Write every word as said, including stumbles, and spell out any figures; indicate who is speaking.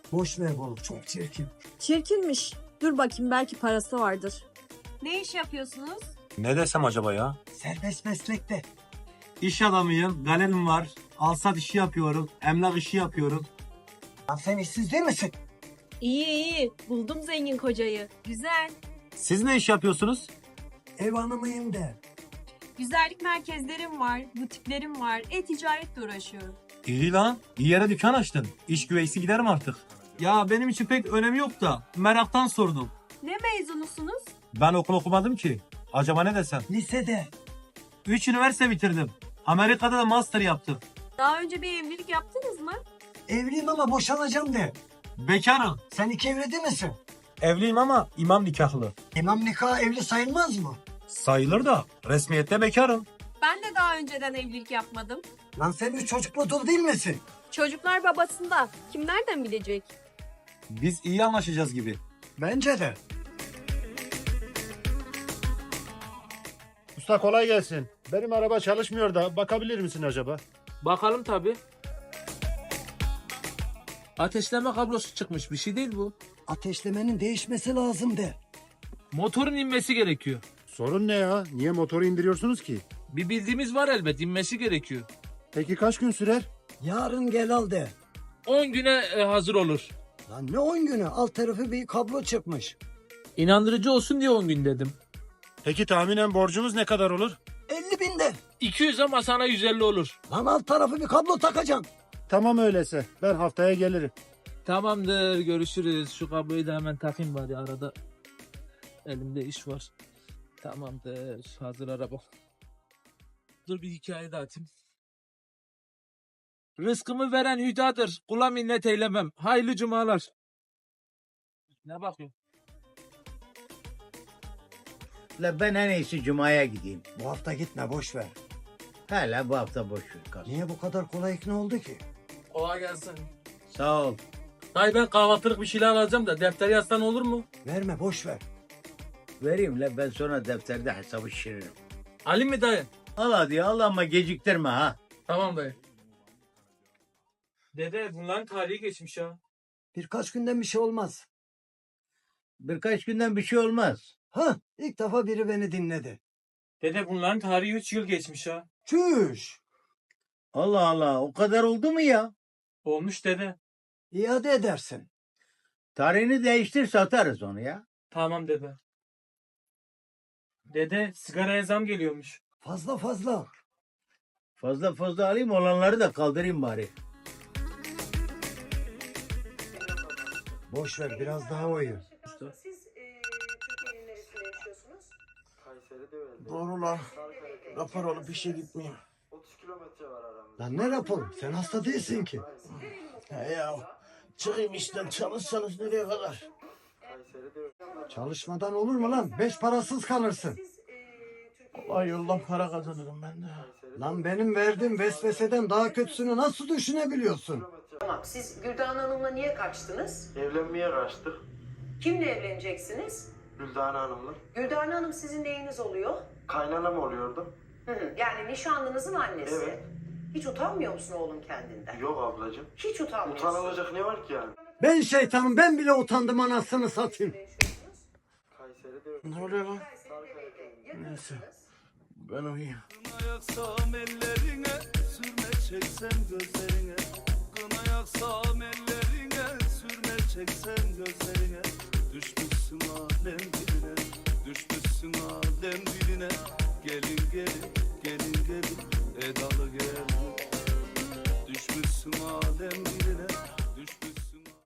Speaker 1: Boş ver oğlum, çok çirkin.
Speaker 2: Çirkinmiş. Dur bakayım, belki parası vardır.
Speaker 3: Ne iş yapıyorsunuz?
Speaker 4: Ne desem acaba ya?
Speaker 1: Serbest meslekte.
Speaker 4: İş adamıyım, galerım var. Alsat işi yapıyorum, emlak işi yapıyorum.
Speaker 1: Lan sen işsiz değil misin?
Speaker 3: İyi iyi. Buldum zengin kocayı. Güzel.
Speaker 4: Siz ne iş yapıyorsunuz?
Speaker 1: Ev hanımıyım de.
Speaker 3: Güzellik merkezlerim var, butiklerim var. E-ticaretle uğraşıyorum.
Speaker 4: İyi lan, iyi yere dükkan açtın. İş güveysi giderim artık. Ya benim için pek önemi yok da meraktan sordum.
Speaker 3: Ne mezunusunuz?
Speaker 4: Ben okul okumadım ki. Acaba ne desem?
Speaker 1: Lisede.
Speaker 4: Üç üniversite bitirdim. Amerika'da da master yaptım.
Speaker 3: Daha önce bir evlilik yaptınız mı?
Speaker 1: Evliyim ama boşanacağım de.
Speaker 4: Bekarım.
Speaker 1: Sen iki evli değil misin?
Speaker 4: Evliyim ama imam nikahlı.
Speaker 1: İmam nikahı evli sayılmaz mı?
Speaker 4: Sayılır da resmiyette bekarım.
Speaker 3: Ben de daha önceden evlilik yapmadım.
Speaker 1: Lan sen üç çocuklu dul değil misin?
Speaker 3: Çocuklar babasında. Kim nereden bilecek?
Speaker 4: Biz iyi anlaşacağız gibi.
Speaker 1: Bence de.
Speaker 5: Usta kolay gelsin. Benim araba çalışmıyor da bakabilir misin acaba?
Speaker 6: Bakalım tabi. Ateşleme kablosu çıkmış, bir şey değil bu.
Speaker 1: Ateşlemenin değişmesi lazım de.
Speaker 6: Motorun inmesi gerekiyor.
Speaker 5: Sorun ne ya? Niye motoru indiriyorsunuz ki?
Speaker 6: Bir bildiğimiz var elbet, inmesi gerekiyor.
Speaker 5: Peki kaç gün sürer?
Speaker 1: Yarın gel al de.
Speaker 6: on güne e, hazır olur.
Speaker 1: Lan ne on günü? Alt tarafı bir kablo çıkmış.
Speaker 6: İnandırıcı olsun diye on gün dedim.
Speaker 5: Peki tahminen borcumuz ne kadar olur?
Speaker 1: elli bin de.
Speaker 6: iki yüz ama sana yüz elli olur.
Speaker 1: Lan alt tarafı bir kablo takacağım.
Speaker 5: Tamam öyleyse. Ben haftaya gelirim.
Speaker 6: Tamamdır, görüşürüz. Şu kabloyu da hemen takayım bari, arada elimde iş var. Tamamdır, hazır araba. Dur bir hikaye daha atayım. Rızkımı veren hüdadır. Kula minnet eylemem. Hayırlı cumalar. Ne bakıyorsun?
Speaker 7: La ben en iyisi Cuma'ya gideyim.
Speaker 1: Bu hafta gitme boş ver.
Speaker 7: Hala bu hafta boş ver kalsın.
Speaker 1: Niye bu kadar kolay ikna oldu ki?
Speaker 6: Kolay gelsin.
Speaker 7: Sağ ol.
Speaker 6: Dayı ben kahvaltılık bir şeyler alacağım da defteri yazsan olur mu?
Speaker 1: Verme boş ver.
Speaker 7: Vereyim la ben sonra defterde hesabı şişiririm.
Speaker 6: Ali mi dayı?
Speaker 7: Al hadi al ama geciktirme ha.
Speaker 6: Tamam dayı. Dede bunların tarihi geçmiş ya.
Speaker 1: Birkaç günden bir şey olmaz.
Speaker 7: Birkaç günden bir şey olmaz.
Speaker 1: Ha, ilk defa biri beni dinledi.
Speaker 6: Dede bunların tarihi üç yıl geçmiş ya.
Speaker 1: Çüş.
Speaker 7: Allah Allah o kadar oldu mu ya?
Speaker 6: Olmuş dede.
Speaker 1: İade edersin.
Speaker 7: Tarihini değiştir satarız onu ya.
Speaker 6: Tamam dede. Dede sigaraya zam geliyormuş.
Speaker 1: Fazla fazla.
Speaker 7: Fazla fazla alayım olanları da kaldırayım bari.
Speaker 1: Boş ver biraz daha oyu.
Speaker 8: Siz e, Türkiye'nin neresinde yaşıyorsunuz?
Speaker 9: Doğru lan. Rapor olup işe gitmeyeyim.
Speaker 1: Lan ne rapor? Sen hasta değilsin ki.
Speaker 9: He ya. Çıkayım işten çalışsanız nereye kadar?
Speaker 1: Çalışmadan olur mu lan? Beş parasız kalırsın.
Speaker 8: Siz e, Türkiye'nin
Speaker 9: Vay yoldan para kazanırım ben de.
Speaker 1: Lan benim verdiğim vesveseden daha kötüsünü nasıl düşünebiliyorsun?
Speaker 8: Tamam. Siz Güldan Hanım'la niye kaçtınız?
Speaker 9: Evlenmeye kaçtık.
Speaker 8: Kimle evleneceksiniz?
Speaker 9: Güldan Hanım'la.
Speaker 8: Güldan Hanım sizin neyiniz oluyor?
Speaker 9: Kaynanam oluyordu.
Speaker 8: Hı hı. Yani nişanlınızın annesi.
Speaker 9: Evet.
Speaker 8: Hiç utanmıyor musun oğlum kendinden?
Speaker 9: Yok ablacığım.
Speaker 8: Hiç utanmıyorsun.
Speaker 9: Utanılacak ne var ki yani?
Speaker 1: Ben şeytanım, ben bile utandım anasını satayım.
Speaker 9: Ne oluyor lan?
Speaker 8: Yakınsınız.
Speaker 9: Neyse. Ben uyuyayım.
Speaker 10: Yaksam ellerine, sürme çeksem gözlerine. Kına yaksam ellerine, sürme çeksem gözlerine. Düşmüşsün alem diline, düşmüşsün alem diline. Gelin gelin, gelin gelin, edalı gel.